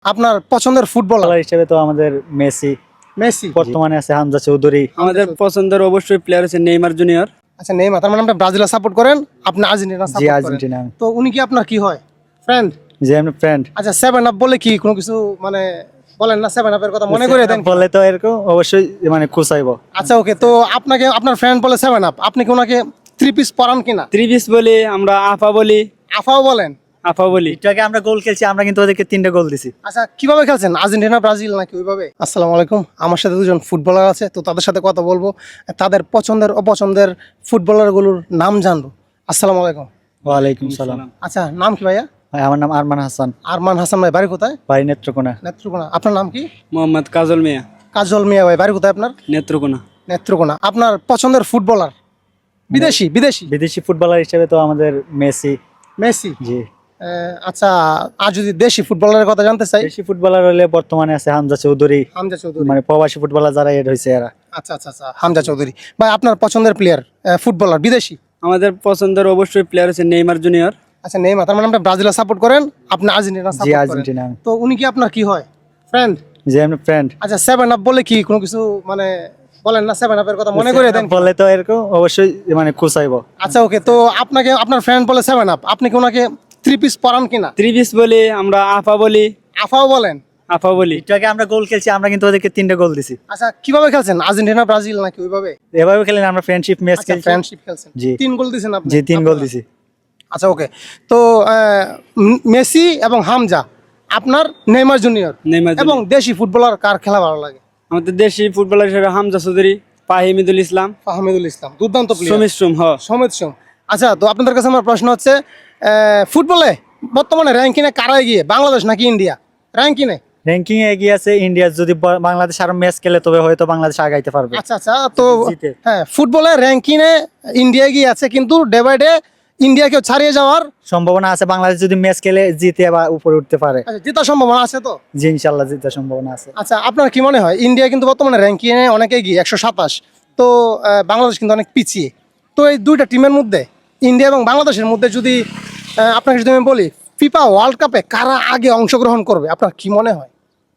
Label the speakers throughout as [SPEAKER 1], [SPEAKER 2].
[SPEAKER 1] আপনার পছন্দের ফুটবলার
[SPEAKER 2] খেলোয়াড় হিসেবে তো আমাদের মেসি,
[SPEAKER 1] মেসি
[SPEAKER 2] বর্তমানে আছে হামজা চৌধুরী।
[SPEAKER 3] আমাদের পছন্দের অবশ্যই প্লেয়ার আছে নেইমার জুনিয়র।
[SPEAKER 1] আচ্ছা নেইমার, তার মানে আপনি ব্রাজিল সাপোর্ট করেন, আপনি আর্জেন্টিনা
[SPEAKER 2] জি
[SPEAKER 1] সাপোর্ট করেন।
[SPEAKER 2] আর্জেন্টিনা।
[SPEAKER 1] তো উনি কি আপনার কি হয়, ফ্রেন্ড?
[SPEAKER 2] যে আমি ফ্রেন্ড
[SPEAKER 1] আচ্ছা 7 আপ বলে কি কোনো কিছু মানে বলেন না, 7 আপের কথা মনে করে দেন।
[SPEAKER 2] বলে তো এরকম অবশ্যই মানে খুশাইবো।
[SPEAKER 1] আচ্ছা ওকে, তো আপনাকে আপনার ফ্রেন্ড বলে 7 আপ, আপনি কি ওনাকে 3 পিস পরান কিনা?
[SPEAKER 3] ত্রিবিশ বলি, আমরা আফা বলি।
[SPEAKER 1] আফাও বলেন?
[SPEAKER 3] আফা বলি।
[SPEAKER 2] একটু আগে আমরা গোল খেলছি, আমরা কিন্তু ওদেরকে 3টা গোল দিছি।
[SPEAKER 1] আচ্ছা কিভাবে খেলছেন, আর্জেন্টিনা ব্রাজিল নাকি ওইভাবে? আসসালামু আলাইকুম, আমার সাথে দুজন ফুটবলার আছে, তো তাদের সাথে কথা বলবো, তাদের পছন্দের অপছন্দের ফুটবলারগুলোর নাম জানবো। আসসালামু আলাইকুম।
[SPEAKER 2] ওয়ালাইকুম সালাম।
[SPEAKER 1] আচ্ছা নাম কি ভাইয়া?
[SPEAKER 2] ভাই আমার নাম আরমান হাসান,
[SPEAKER 1] আরমান হাসান ভাই, বাড়ি কোথায়?
[SPEAKER 2] বাড়ি নেত্রকোনা।
[SPEAKER 1] নেত্রকোনা। আপনার নাম কি?
[SPEAKER 3] মোহাম্মদ কাজল মিয়া,
[SPEAKER 1] কাজল মিয়া ভাই, বাড়ি কোথায় আপনার?
[SPEAKER 3] নেত্রকোনা।
[SPEAKER 1] নেত্রকোনা। আপনার পছন্দের ফুটবলার বিদেশি? বিদেশি
[SPEAKER 2] বিদেশি ফুটবলার হিসেবে তো আমাদের মেসি।
[SPEAKER 1] মেসি।
[SPEAKER 2] জি।
[SPEAKER 1] আচ্ছা, আর যদি দেশি ফুটবলারের কথা জানতে চাই?
[SPEAKER 2] দেশি ফুটবলার হলে বর্তমানে আছে হামজা চৌধুরী,
[SPEAKER 1] হামজা চৌধুরী।
[SPEAKER 2] মানে প্রবাসী ফুটবলার যারা এড হয়েছে এরা।
[SPEAKER 1] আচ্ছা আচ্ছা আচ্ছা, হামজা চৌধুরী ভাই। আপনার পছন্দের প্লেয়ার ফুটবলার বিদেশি?
[SPEAKER 3] আমাদের পছন্দের অবশ্যই প্লেয়ার আছে নেইমার জুনিয়র।
[SPEAKER 1] আচ্ছা নেইমার, তার মানে আপনি ব্রাজিল সাপোর্ট করেন, আপনি আর্জেন্টিনা
[SPEAKER 2] জি
[SPEAKER 1] সাপোর্ট করেন।
[SPEAKER 2] আর্জেন্টিনা।
[SPEAKER 1] তো উনি কি আপনার কি হয়, ফ্রেন্ড?
[SPEAKER 2] যে আমি ফ্রেন্ড।
[SPEAKER 1] আচ্ছা 7 আপ বলে কি কোনো কিছু মানে বলেন না, 7 আপের কথা মনে করে দেন।
[SPEAKER 2] বলে তো এরকম অবশ্যই মানে খুশাইবো।
[SPEAKER 1] আচ্ছা ওকে, তো আপনাকে আপনার ফ্রেন্ড বলে 7 আপ, আপনি কি ওনাকে 3 পিস পরান কিনা?
[SPEAKER 3] ত্রিবিশ বলি, আমরা আফা বলি।
[SPEAKER 1] আফাও বলেন?
[SPEAKER 3] আফা বলি।
[SPEAKER 2] একটু আগে আমরা গোল খেলছি, আমরা কিন্তু ওদেরকে 3টা গোল দিছি।
[SPEAKER 1] আচ্ছা কিভাবে খেলছেন, আর্জেন্টিনা ব্রাজিল নাকি ওইভাবে?
[SPEAKER 2] এভাবে খেলেন, আমরা ফ্রেন্ডশিপ ম্যাচ
[SPEAKER 1] আচ্ছা
[SPEAKER 2] খেলছি।
[SPEAKER 1] ফ্রেন্ডশিপ খেলছেন,
[SPEAKER 2] জি।
[SPEAKER 1] 3 গোল দিয়েছেন আপনি?
[SPEAKER 2] জি 3 গোল
[SPEAKER 1] আপনারা?
[SPEAKER 2] দিছি।
[SPEAKER 1] আচ্ছা ওকে, তো মেসি এবং হামজা, আপনার নেইমার জুনিয়র,
[SPEAKER 3] নেইমার
[SPEAKER 1] এবং
[SPEAKER 3] জুনিয়র।
[SPEAKER 1] দেশি ফুটবলার কার খেলা ভালো লাগে?
[SPEAKER 3] আমাদের দেশি ফুটবলার হিসেবে হামজা চৌধুরী, ফাহিমিদুল ইসলাম,
[SPEAKER 1] ফাহমিদুল ইসলাম, দুর্দান্ত প্লেয়ার।
[SPEAKER 3] সমিত সোম।
[SPEAKER 1] সমিত সোম। আচ্ছা, তো আপনাদের কাছে আমার প্রশ্ন হচ্ছে, ফুটবলে বর্তমানে র্যাঙ্কিংয়ে কারা এগিয়ে, বাংলাদেশ নাকি ইন্ডিয়া র্যাঙ্কিংয়ে?
[SPEAKER 2] র্যাঙ্কিং এ এগিয়ে আছে ইন্ডিয়া। যদি বাংলাদেশ আরো ম্যাচ খেলে তবে হয়তো বাংলাদেশ আগাইতে পারবে।
[SPEAKER 1] আচ্ছা আচ্ছা, তো
[SPEAKER 2] জিতে।
[SPEAKER 1] হ্যাঁ ফুটবলের র্যাঙ্কিংয়ে ইন্ডিয়া এগিয়ে আছে, কিন্তু ডে বাই ডে ইন্ডিয়াকেও ছাড়িয়ে যাওয়ার
[SPEAKER 2] সম্ভাবনা আছে, বাংলাদেশ যদি ম্যাচ খেলে জিতে বা উপরে উঠতে পারে।
[SPEAKER 1] জেতার সম্ভাবনা আছে তো?
[SPEAKER 2] জি ইনশাল্লাহ জিতার সম্ভাবনা আছে।
[SPEAKER 1] আচ্ছা আপনার কি মনে হয়, ইন্ডিয়া কিন্তু বর্তমানে র্যাঙ্কিংয়ে অনেক এগিয়ে 127, তো বাংলাদেশ কিন্তু অনেক পিছিয়ে, তো এই দুইটা টিমের মধ্যে, ইন্ডিয়া এবং বাংলাদেশের মধ্যে যদি আপনাকে যদি আমি বলি ফিফা ওয়ার্ল্ড কাপে কারা আগে অংশগ্রহণ করবে, আপনার কি মনে হয়?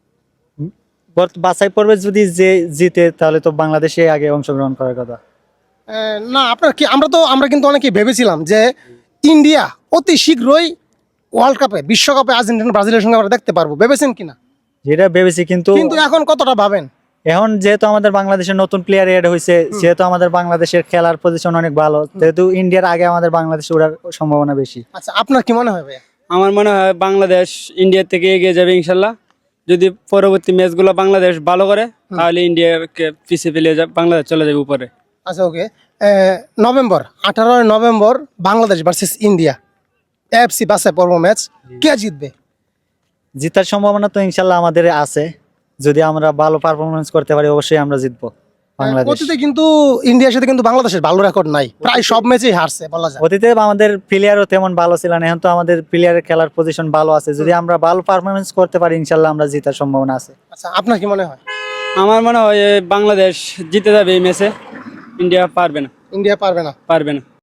[SPEAKER 2] বাছাই পর্বে যদি যে জিতে তাহলে তো বাংলাদেশে আগে অংশগ্রহণ করার কথা।
[SPEAKER 1] না আপনার কি, আমরা কিন্তু অনেকেই ভেবেছিলাম যে ইন্ডিয়া অতি শীঘ্রই ওয়ার্ল্ড কাপে, বিশ্বকাপে আর্জেন্টিনা ব্রাজিলের সঙ্গে আমরা দেখতে পারবো, ভেবেছেন কিনা?
[SPEAKER 2] যেটা ভেবেছি, কিন্তু
[SPEAKER 1] কিন্তু এখন কতটা ভাবেন?
[SPEAKER 2] এখন যেহেতু আমাদের বাংলাদেশের নতুন প্লেয়ার এড হয়েছে, যেহেতু আমাদের বাংলাদেশের খেলার পজিশন অনেক ভালো, যেহেতু ইন্ডিয়ার আগে আমাদের বাংলাদেশে ওঠার সম্ভাবনা বেশি।
[SPEAKER 1] আচ্ছা আপনার কি মনে হয় ভাইয়া?
[SPEAKER 3] আমার মনে হয় বাংলাদেশ ইন্ডিয়ার থেকে এগিয়ে যাবে ইনশাল্লাহ। যদি পরবর্তী ম্যাচগুলো বাংলাদেশ ভালো করে তাহলে ইন্ডিয়াকে পিছিয়ে ফেলে যাবে, বাংলাদেশ চলে যাবে উপরে।
[SPEAKER 1] আচ্ছা okay, November 18 November Bangladesh versus India FC বাছাই পর্ব ম্যাচ, কে জিতবে?
[SPEAKER 2] জিতার সম্ভাবনা তো ইনশাল্লাহ আমাদের আছে। যদি আমরা ভালো পারফরমেন্স করতে পারি অবশ্যই আমরা জিতবো। বাংলাদেশ
[SPEAKER 1] অতীতে কিন্তু ইন্ডিয়ার সাথে কিন্তু বাংলাদেশের ভালো রেকর্ড নাই, প্রায় সব ম্যাচেই হারছে বলা যায়।
[SPEAKER 2] অতীতে আমাদের প্লেয়ারও তেমন ভালো ছিল না, এখন তো আমাদের প্লেয়ারের খেলার পজিশন ভালো আছে। যদি আমরা ভালো পারফরমেন্স করতে পারি ইনশাল্লাহ আমরা জিতার সম্ভাবনা আছে।
[SPEAKER 1] আচ্ছা আপনার কি মনে হয়?
[SPEAKER 3] আমার মনে হয় বাংলাদেশ জিতে যাবে এই ম্যাচে, ইন্ডিয়া পারবে না।
[SPEAKER 1] ইন্ডিয়া পারবে না?
[SPEAKER 3] পারবে না।